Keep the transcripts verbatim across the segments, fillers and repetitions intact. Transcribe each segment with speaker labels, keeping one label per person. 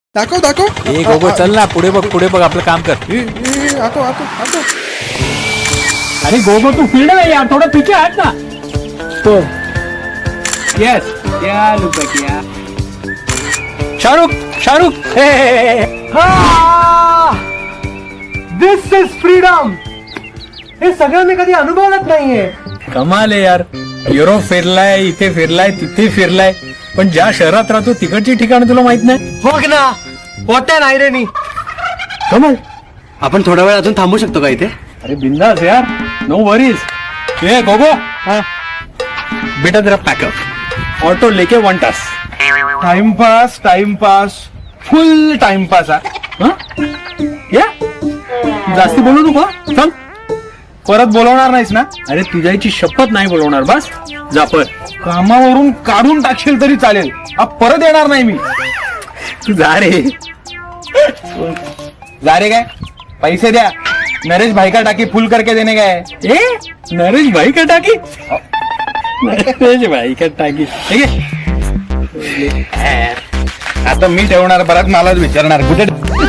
Speaker 1: दाखव दाखव
Speaker 2: ए गोगो चल ना पुढे बघ पुढे बघ आपलं काम कर.
Speaker 1: ए, ए, ए, आतो आतो आतो
Speaker 3: अरे गोगो तू फील्ड में यार, थोड़ा पीछे हट ना. तो यस क्या लुक किया
Speaker 2: शाहरुख शाहरुख हे, हे, हे, हे.
Speaker 3: This is freedom. हे सगळं मी कधी अनुभवलंच नाहीये.
Speaker 2: कमाल आहे यार. युरोप फिरलाय, इथे फिरलाय, तिथे फिरलाय, पण ज्या शहरात राहतो तिकडची ठिकाण तुला माहित नाही.
Speaker 3: हो ना, होत्या नाही रे नी.
Speaker 2: कमाल.
Speaker 4: आपण थोडा वेळ अजून थांबू शकतो का इथे?
Speaker 2: अरे बिंदास यार, नो वरीज. ए गोगो बेटा तेरा पैकअप ऑटो लेके वन टास.
Speaker 1: Time pass time pass full time pass
Speaker 2: हं? या जास्ती बोलू नको हं? चल
Speaker 1: परत बोलवणार नाहीस ना?
Speaker 2: अरे तुझ्याची शपथ नाही बोलवणार. बस जा पर.
Speaker 1: कामावरून काढून टाकशील तरी चालेल, अब परत येणार नाही मी.
Speaker 2: तू जा रे.
Speaker 1: जा रे काय? पैसे द्या. नरेश भाई का टाकी फुल करके देने गए.
Speaker 2: ए नरेश भाई का टाकी. नरेश भाई का टाकी ठीक आहे.
Speaker 1: आता मी ठेवणार, परत मलाच विचारणार कुठे.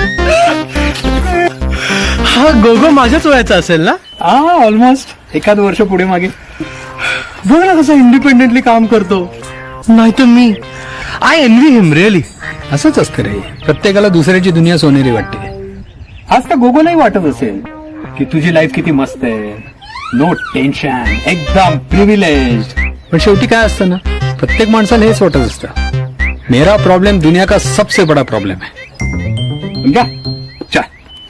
Speaker 4: हा गोगो माझ्याच वयाचा असेल ना?
Speaker 2: हा ऑलमोस्ट एखाद वर्ष पुढे मागे.
Speaker 4: बघ ना कसं इंडिपेंडेंटली काम करतो. नाही तर मी आय एनवी हिम रिअली.
Speaker 2: असंच असतं रे, प्रत्येकाला दुसऱ्याची दुनिया सोनेरी वाटते. आज तर गोगोलाही वाटत असेल की तुझी लाईफ किती मस्त आहे, नो टेन्शन, एकदम प्रिव्हिलेज. पण शेवटी काय असतं ना, प्रत्येक माणसाला हेच वाटत असतं, मेरा प्रॉब्लेम दुनिया का सबसे बड़ा प्रॉब्लेम है. क्या चल.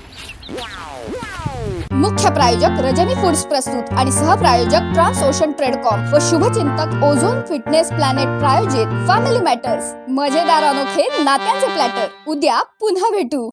Speaker 5: मुख्य प्रायोजक रजनी फूड्स प्रस्तुत आणि सहप्रायोजक ट्रान्स ओशन ट्रेडकॉम व शुभचिंतक ओझोन फिटनेस प्लॅनेट प्रायोजित फॅमिली मॅटर्स. मजेदार अनोखे नात्यांचे प्लॅटर. उद्या पुन्हा भेटू.